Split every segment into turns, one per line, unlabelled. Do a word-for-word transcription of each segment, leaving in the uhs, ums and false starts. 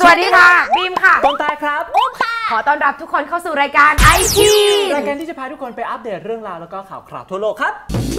วัสดีค่ะบีมค่ะ
ต้นตาครับ
อุ้มค่ะขอต้อนรับทุกคนเข้าสู่รายการ ไอ ที
รายการที่จะพาทุกคนไปอัปเดตเรื่องราวแล้วก็ข่าวคราวทั่วโลกครับ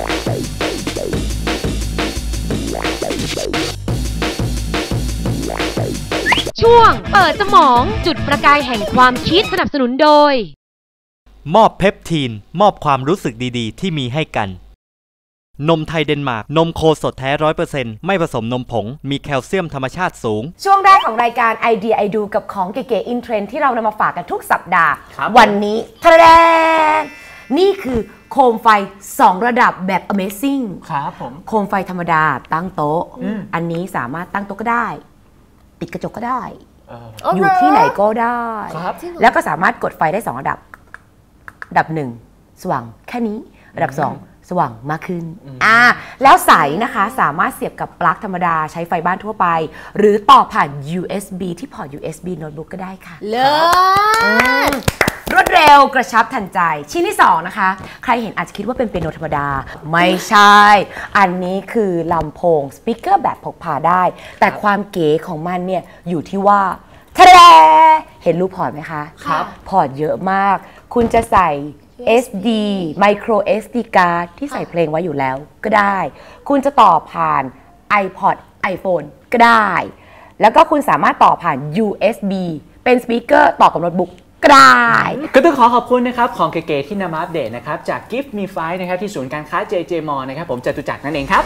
ช่วงเปิดสมองจุดประกายแห่งความคิดสนับสนุนโดย
มอบเพปทีนมอบความรู้สึกดีๆที่มีให้กันนมไทยเดนมาร์กนมโคสดแท้ ร้อยเปอร์เซ็นต์ ไม่ผสมนมผงมีแคลเซียมธรรมชาติสูง
ช่วงแรกของรายการไอเดียไอดูกับของเก๋ๆอินเทรนด์ที่เรานำมาฝากกันทุกสัปดาห์วันนี้ทะเลนี่คือโคมไฟสองระดับแบบ Amazing
ครับผม
โคมไฟธรรมดาตั้งโต๊ะ อ, อันนี้สามารถตั้งโต๊ะก็ได้ติดกระจกก็ได้ อ, อยู่ที่ไหนก็ได้แล้วก็สามารถกดไฟได้สองระดับระดับหนึ่งสว่างแค่นี้ระดับสองสว่างมากขึ้นอ่าแล้วสายนะคะสามารถเสียบกับปลั๊กธรรมดาใช้ไฟบ้านทั่วไปหรือต่อผ่าน ยู เอส บี ที่พอร์ต ยู เอส บี โน้ตบุ๊กก็ได้ค่ะ
เลิศ
รวดเร็วกระชับทันใจชิ้นที่สองนะคะใครเห็นอาจจะคิดว่าเป็นเปียโนธรรมดาไม่ใช่อันนี้คือลำโพงสปีกเกอร์แบบพกพาได้แต่ความเก๋ของมันเนี่ยอยู่ที่ว่าทะเลเห็นรูปพอร์ตไหมคะ
ครับ
พอร์ตเยอะมากคุณจะใส่ เอส ดี Micro เอส ดี card ที่ใส่เพลงไว้อยู่แล้วก็ได้คุณจะต่อผ่าน iPod iPhone ก็ได้แล้วก็คุณสามารถต่อผ่าน ยู เอส บี เป็นสปีกเกอร์ต่อกับโน้ตบุ๊กก็ได้
ก็ต้องขอขอบคุณนะครับของเก๋ๆที่นำมาอัปเดตนะครับจาก Gift Me Five นะครับที่ศูนย์การค้า เจ เจ Mall นะครับผมจตุจักรนั่นเองครับ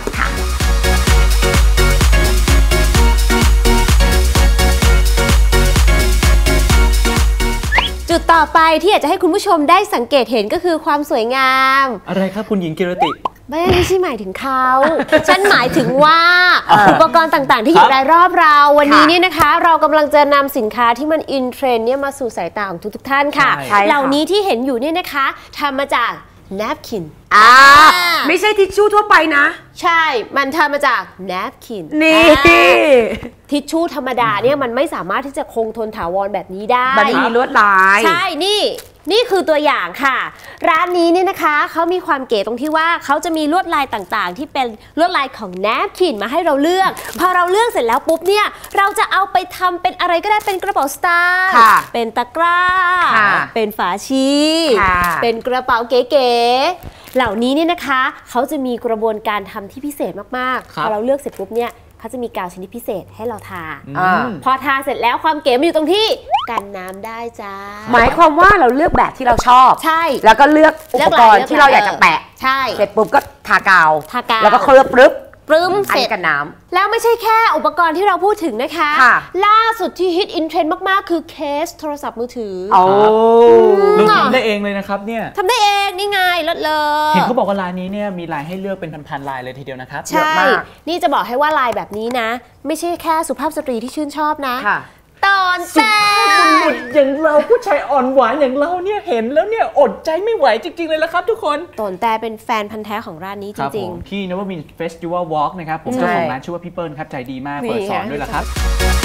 จุดต่อไปที่อยากจะให้คุณผู้ชมได้สังเกตเห็นก็คือความสวยงาม
อะไรครับคุณหญิงกิรติ
ไม่ไม่ใช่หมายถึงเขา ฉันหมายถึงว่าอุปกรณ์ต่างๆที่อยู่รายรอบเราวันนี้เนี่ยนะคะเรากำลังจะนำสินค้าที่มันอินเทรนด์เนี่ยมาสู่สายตาของทุกๆท่านค่ะเหล่านี้ที่เห็นอยู่เนี่ยนะคะทำมาจาก napkin
อ่าไม่ใช่ทิชชู่ทั่วไปนะ
ใช่มันทำมาจาก napkin
นี่
ทิชชู่ธรรมดาเนี่ยมันไม่สามารถที่จะคงทนถาวรแบบนี้ได้
มันมีลวดลาย
ใช่นี่นี่คือตัวอย่างค่ะร้านนี้เนี่ยนะคะเขามีความเก๋ตรงที่ว่าเขาจะมีลวดลายต่างๆที่เป็นลวดลายของ napkin มาให้เราเลือกพอเราเลือกเสร็จแล้วปุ๊บเนี่ยเราจะเอาไปทำเป็นอะไรก็ได้เป็นกระเป๋าสตางค์เป็นตะกร้าเป็นฝาชีเป็นกระเป๋าเก๋ๆเหล่านี้เนี่ยนะคะเขาจะมีกระบวนการทำที่พิเศษมากๆพอเราเลือกเสร็จปุ๊บเนี่ยเขาจะมีกาวชนิดพิเศษให้เราทาพอทาเสร็จแล้วความเก๋มันอยู่ตรงที่กันน้ำได้จ้า
หมายความว่าเราเลือกแบบที่เราชอบ
ใช่
แล้วก็เลือกอุปกรณ์ที่เราอยากจะแปะ
ใช่
เสร็จปุ๊บก็ทากาว
ทากาว
แล้วก็เคลือบปรึ๊บ
ปรึ้มเสร็จ
กันน้
ำแล้วไม่ใช่แค่อุปกรณ์ที่เราพูดถึงนะคะล่าสุดที่ฮิตอินเทรนด์มากๆคือเคสโทรศัพท์มือถือ
โอ้
เราทำได้เองเลยนะครับเนี่ย
ทำได้เองนี่ไงเลิศเลย
เห็นเขาบอกว่าลายนี้เนี่ยมีลายให้เลือกเป็นพันๆลายเลยทีเดียวนะครับ
ใช่นี่จะบอกให้ว่าลายแบบนี้นะไม่ใช่แค่สุภาพสตรีที่ชื่นชอบนะตอนแต่
บุตรอย่างเราผู้ชายอ่อนหวานอย่างเราเนี่ยเห็นแล้วเนี่ยอดใจไม่ไหวจริงๆเลยละครับทุกคน
ตอนแต่เป็นแฟนพันธ์แท้ของร้านนี้จริง
ๆที่นวมินทร์เฟสติวัลวอล์กนะครับผมเจ้าของร้านชื่อว่าพี่เปิ้ลครับใจดีมากเปิดสอนด้วยละครับ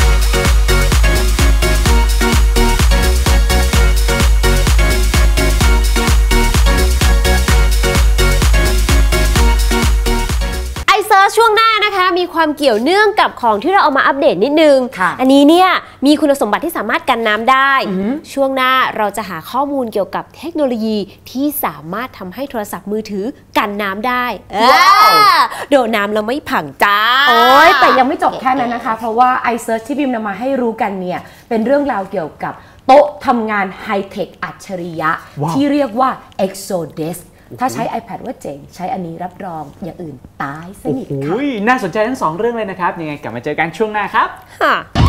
ช่วงหน้านะคะมีความเกี่ยวเนื่องกับของที่เราเอามาอัปเดตนิดนึงอันนี้เนี่ยมีคุณสมบัติที่สามารถกันน้ำได้ช่วงหน้าเราจะหาข้อมูลเกี่ยวกับเทคโนโลยีที่สามารถทำให้โทรศัพท์มือถือกันน้ำได้โดนน้ำแล้วไม่ผังจ้า
โอ้ยแต่ยังไม่จบแค่นั้นนะคะเพราะว่า iSearch ที่บิมนำมาให้รู้กันเนี่ยเป็นเรื่องราวเกี่ยวกับโต๊ะทำงานไฮเทคอัจฉริยะที่เรียกว่า ExoDeskถ้าใช้ iPad ว่าเจ๋งใช้อันนี้รับรองอย่างอื่นตายสนิทค่ะ
น่าสนใจทั้งสองเรื่องเลยนะครับยังไงกลับมาเจอกันช่วงหน้าครับ